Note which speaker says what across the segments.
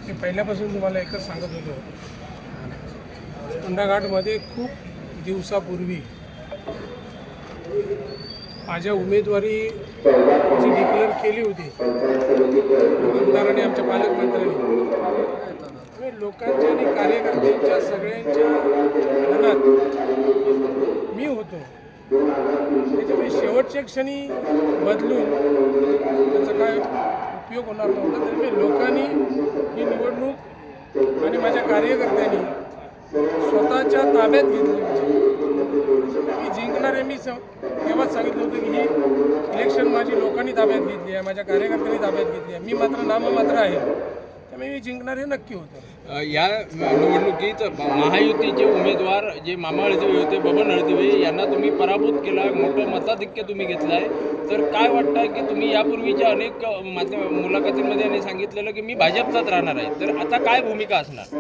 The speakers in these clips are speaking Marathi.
Speaker 1: मी पहिल्यापासून तुम्हाला एकच सांगत होतो, कोंडाघाटमध्ये खूप दिवसापूर्वी माझ्या उमेदवारी जी डिक्लेअर केली होती आमदारांनी, आमच्या पालकमंत्र्यांनी, लोकांच्या आणि कार्यकर्त्यांच्या सगळ्यांच्या मनात मी होतो. त्याच्यामुळे शेवटच्या क्षणी बदलून त्याचा काय उपयोग होणार नव्हता. त्यामुळे लोकांनी ही निवडणूक आणि माझ्या कार्यकर्त्यांनी स्वतःच्या ताब्यात घेतली होती. मी जिंकणार आहे, मी तेव्हाच सांगितलं होतं की ही इलेक्शन माझी लोकांनी ताब्यात घेतली आहे, माझ्या कार्यकर्त्यांनी ताब्यात घेतली आहे. मी मात्र नाममात्र आहे, त्यामुळे मी जिंकणार हे नक्की होतं.
Speaker 2: या निवडणुकीत महायुतीचे उमेदवार जे मामा हळदिवे होते, बबन हळदिवे यांना तुम्ही पराभूत केला, मोठं मताधिक्य तुम्ही घेतलं आहे. तर काय वाटतं की तुम्ही यापूर्वीच्या अनेक मुलाखतींमध्ये यांनी सांगितलेलं की मी भाजपचाच राहणार आहे, तर आता काय भूमिका असणार?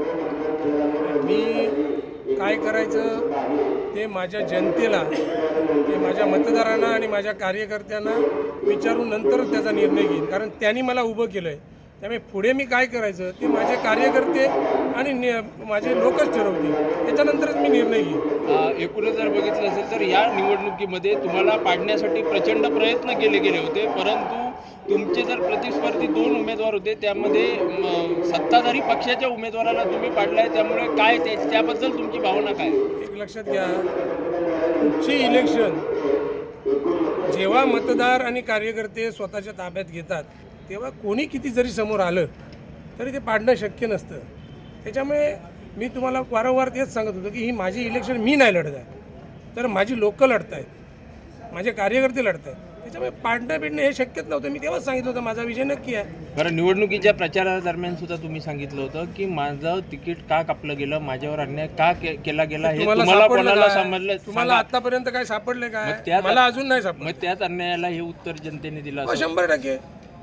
Speaker 1: मी काय करायचं ते माझ्या जनतेला, ते माझ्या मतदारांना आणि माझ्या कार्यकर्त्यांना विचारून नंतरच त्याचा निर्णय घेईन. कारण त्यांनी मला उभं केलं आहे, त्यामुळे पुढे मी काय करायचं ते माझे कार्यकर्ते आणि माझे लोकच ठरवतील, त्याच्यानंतरच मी निर्णय घेईन.
Speaker 2: एकूणच जर बघितलं असेल तर या निवडणुकीमध्ये तुम्हाला पाडण्यासाठी प्रचंड प्रयत्न केले गेले होते, परंतु तुमचे जर प्रतिस्पर्धी 2 उमेदवार होते त्यामध्ये सत्ताधारी पक्षाच्या उमेदवाराला तुम्ही पाडलाय, त्यामुळे काय त्याबद्दल तुमची भावना काय?
Speaker 1: एक लक्षात घ्या, कुठची इलेक्शन जेव्हा मतदार आणि कार्यकर्ते स्वतःच्या ताब्यात घेतात तेव्हा कोणी किती जरी समोर आलं तरी ते पाडणं शक्य नसतं. त्याच्यामुळे मी तुम्हाला वारंवार तेच सांगत होतो की ही माझी इलेक्शन मी नाही लढत आहे, तर माझी लोकं लढत आहेत, माझे कार्यकर्ते लढत आहेत. त्याच्यामुळे पाडणं बिडणं हे शक्यच नव्हतं. मी तेव्हाच सांगितलं होतं माझा विजय नक्की आहे.
Speaker 2: बरं, निवडणुकीच्या प्रचारादरम्यान सुद्धा तुम्ही सांगितलं होतं की माझं तिकीट का कापलं गेलं, माझ्यावर अन्याय का केला गेला, हे तुम्हाला कोणाला समजलं?
Speaker 1: तुम्हाला आतापर्यंत काय सापडले काय? मला अजून नाही सापडलं.
Speaker 2: मग त्याच अन्यायाला हे उत्तर जनतेने दिलं?
Speaker 1: 100%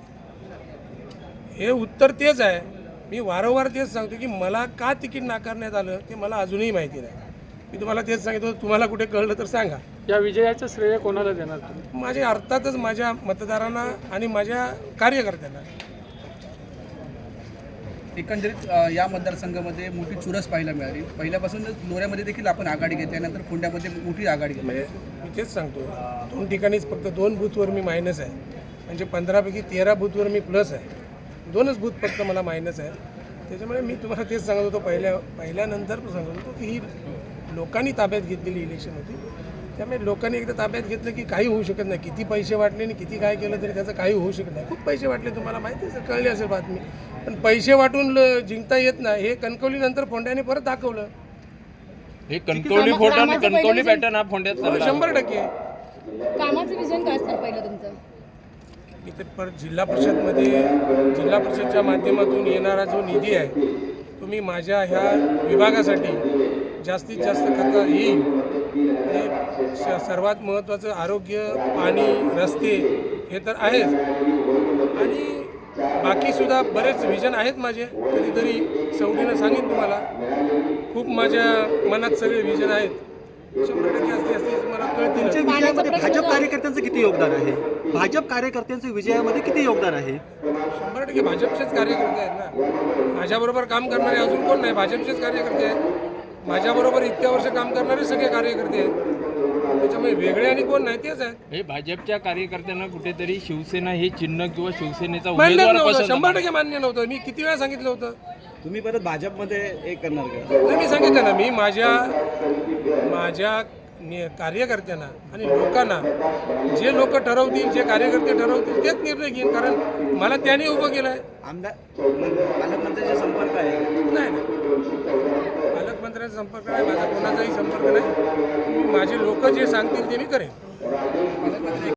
Speaker 1: हे उत्तर तेच आहे. मी वारंवार तेच सांगतो की मला का तिकीट नाकारण्यात आलं ते मला अजूनही माहिती नाही. मी तुम्हाला तेच सांगितलं, तुम्हाला कुठे कळलं तर सांगा.
Speaker 3: या विजयाचं श्रेय कोणाला देणार तुम्ही?
Speaker 1: माझ्या अर्थातच माझ्या मतदारांना आणि माझ्या कार्यकर्त्यांना.
Speaker 4: एकंदरीत या मतदारसंघामध्ये मोठी चुरस पाहायला मिळाली. पहिल्यापासूनच लोऱ्यामध्ये देखील आपण आघाडी घेतली, त्यानंतर कोंड्यामध्ये मोठी आघाडी घेतली.
Speaker 1: म्हणजे मी तेच सांगतो, 2 ठिकाणीच फक्त 2 बूथवर मी मायनस आहे, म्हणजे 15पैकी 13 बूथवर मी प्लस आहे. 2च बूथ फक्त मला मायनस आहे. त्याच्यामुळे मी तुम्हाला तेच सांगत होतो, पहिल्यानंतर सांगत होतो की ही लोकांनी ताब्यात घेतलेली इलेक्शन होती. त्यामुळे लोकांनी एकदा ताब्यात घेतलं की काही होऊ शकत नाही. किती पैसे वाटले आणि किती काय केलं तरी त्याचं काही होऊ शकत नाही. खूप पैसे वाटले, तुम्हाला माहिती आहे, कळली असेल बातमी. पण पैसे वाटून जिंकता येत नाही, हे कणकवलीनंतर फोंड्याने परत दाखवलं.
Speaker 2: हे कणकवली फोटो आणि कणकवली पॅटर्न हा फोंड्यात
Speaker 1: 100%.
Speaker 5: कामाचं विजन काय असणार पहिलं तुमचं?
Speaker 1: इथे परत जिल्हा परिषदच्या माध्यमातून येणारा जो निधी आहे तो मी माझ्या ह्या विभागासाठी जास्तीत जास्त करता येईल. सर्वात महत्त्वाचं आरोग्य, पाणी, रस्ते हे तर आहेच, आणि बाकीसुद्धा बरेच विजन आहेत माझे. कधीतरी सवडीनं सांगेन तुम्हाला, खूप माझ्या मनात सगळे विजन आहेत. 100% असते मला कळतील.
Speaker 6: तुमच्या विजयामध्ये भाजप कार्यकर्त्यांचं किती योगदान आहे? भाजप कार्यकर्त्यांचं विजयामध्ये किती योगदान आहे?
Speaker 1: 100% भाजपचेच कार्यकर्ते आहेत ना. माझ्याबरोबर काम करणारे अजून कोण नाही, भाजपचेच कार्यकर्ते आहेत. माझ्याबरोबर इतक्या वर्ष काम करणारे सगळे कार्यकर्ते आहेत. त्याच्यामुळे वेगळे आणि कोण नाही, तेच आहेत.
Speaker 2: हे भाजपच्या कार्यकर्त्यांना कुठेतरी शिवसेना हे चिन्ह किंवा शिवसेनेचा
Speaker 1: मान्य
Speaker 2: उमेदवार
Speaker 1: नव्हतं,
Speaker 2: पसंत
Speaker 1: 100% मान्य नव्हतं. मी किती वेळा सांगितलं होतं.
Speaker 6: तुम्ही परत भाजपमध्ये एक करणार का?
Speaker 1: नाही, मी सांगितलं ना, मी माझ्या कार्यकर्त्यांना आणि लोकांना, जे लोक ठरवतील, जे कार्यकर्ते ठरवतील तेच निर्णय घेईन. कारण मला त्याने उभं केलं आहे.
Speaker 6: आमदार पालकमंत्र्यांचा संपर्क आहे?
Speaker 1: नाही, पालकमंत्र्यांचा संपर्क नाही, माझा कोणाचाही संपर्क नाही. मी माझे लोक जे सांगतील ते मी करेन.